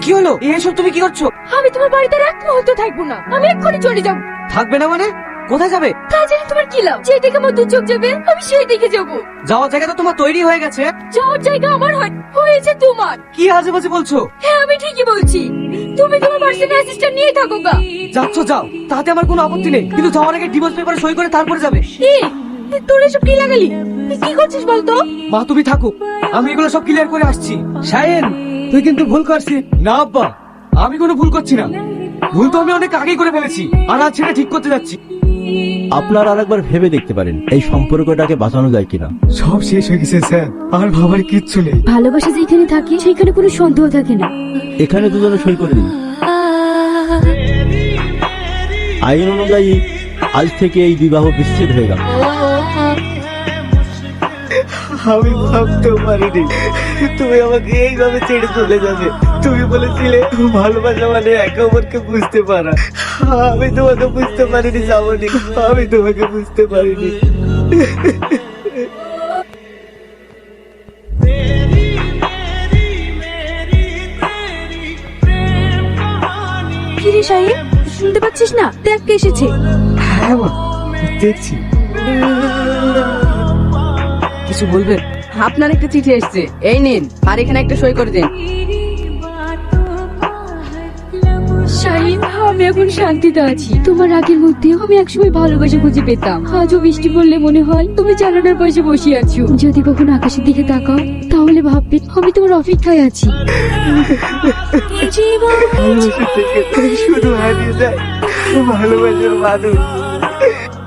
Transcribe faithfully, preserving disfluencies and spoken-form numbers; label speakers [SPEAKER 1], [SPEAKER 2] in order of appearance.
[SPEAKER 1] কি হলো? এসব তুমি কি করছো?
[SPEAKER 2] আমি তোমার বাড়িতে আর এক মুহূর্ত থাকবো না, আমি এক্ষুনি চলে যাবো।
[SPEAKER 1] থাকবে না মানে? কোথায় যাবে?
[SPEAKER 2] তা জানি তোমার কি লাভ? যে দিকে আমার দু চোখ যাবে আমি সেই দিকে যাবো।
[SPEAKER 1] যাওয়ার জায়গা তো তোমার তৈরি হয়ে গেছে।
[SPEAKER 2] যাওয়ার জায়গা আমার হয় হয়েছে তোমার।
[SPEAKER 1] কি আজে বাজে বলছো?
[SPEAKER 2] হ্যাঁ আমি ঠিকই বলছি, তুমি তোমার পার্সোনাল অ্যাসিস্ট্যান্ট নিয়ে থাকো গা।
[SPEAKER 1] যাচ্ছ যাও, তাতে আমার কোনো আপত্তি নেই, কিন্তু যাওয়ার আগে ডিভোর্স পেপারে সই করে তারপরে যাবে।
[SPEAKER 2] কি তোর এসব কি লাগালি? তুই কি করছিস বলতো?
[SPEAKER 1] মা তুমি থাকো, আমি এগুলো সব ক্লিয়ার করে আসছি। শাহিন, তুই কিন্তু ভুল করছিস। না আব্বা, আমি কোনো ভুল করছি না। ভুল তো আমি অনেক আগেই করে ফেলেছি, আর আজ সেটা ঠিক করতে যাচ্ছি।
[SPEAKER 3] আপনার আরেকবার ভেবে দেখতে পারেন এই সম্পর্কটাকে বাঁচানো যায় কিনা।
[SPEAKER 1] সব শেষ হয়ে গেছে স্যার, আর ভাবার কিচ্ছু নেই।
[SPEAKER 2] ভালোবাসা যেখানে থাকে সেখানে কোনো সন্দেহ থাকে না।
[SPEAKER 3] এখানে দুজনে সই করে দিন। আইন অনুযায়ী আজ থেকে এই বিবাহ বিচ্ছেদ হয়ে গেল।
[SPEAKER 4] আমি ভাবতেও পারিনি তুমি আমাকে এইভাবে ছেড়ে চলে যাবে। তুমি বলেছিলে ভালোবাসা মানে একে অপরকে বুঝতে পারা। আমি তোমাকে বুঝতে পারিনি শ্রাবণী, আমি তোমাকে বুঝতে পারিনি।
[SPEAKER 2] কিরে শাহিন, শুনতে পাচ্ছিস না? দেখ কে এসেছে।
[SPEAKER 1] হ্যাঁ মা, দেখছি। কিছু বলবেন?
[SPEAKER 5] আপনার একটা চিঠি এসেছে, এই নিন, আর এখানে একটা সই করে দিন।
[SPEAKER 2] শাহিন, আমি এখন শান্তিতে আছি। তোমার রাগের মধ্যে আমি একসময় ভালোবাসা খুঁজে পেতাম। আজও বৃষ্টি পড়লে মনে হয় তুমি জানালার পাশে বসে আছো। যদি কখনো আকাশের দিকে তাকাও তাহলে ভাববে আমি তোমার অপেক্ষায় আছি।
[SPEAKER 4] ভালোবাসা থেকে শুধু হারিয়ে যায় ভালোবাসার মানুষ।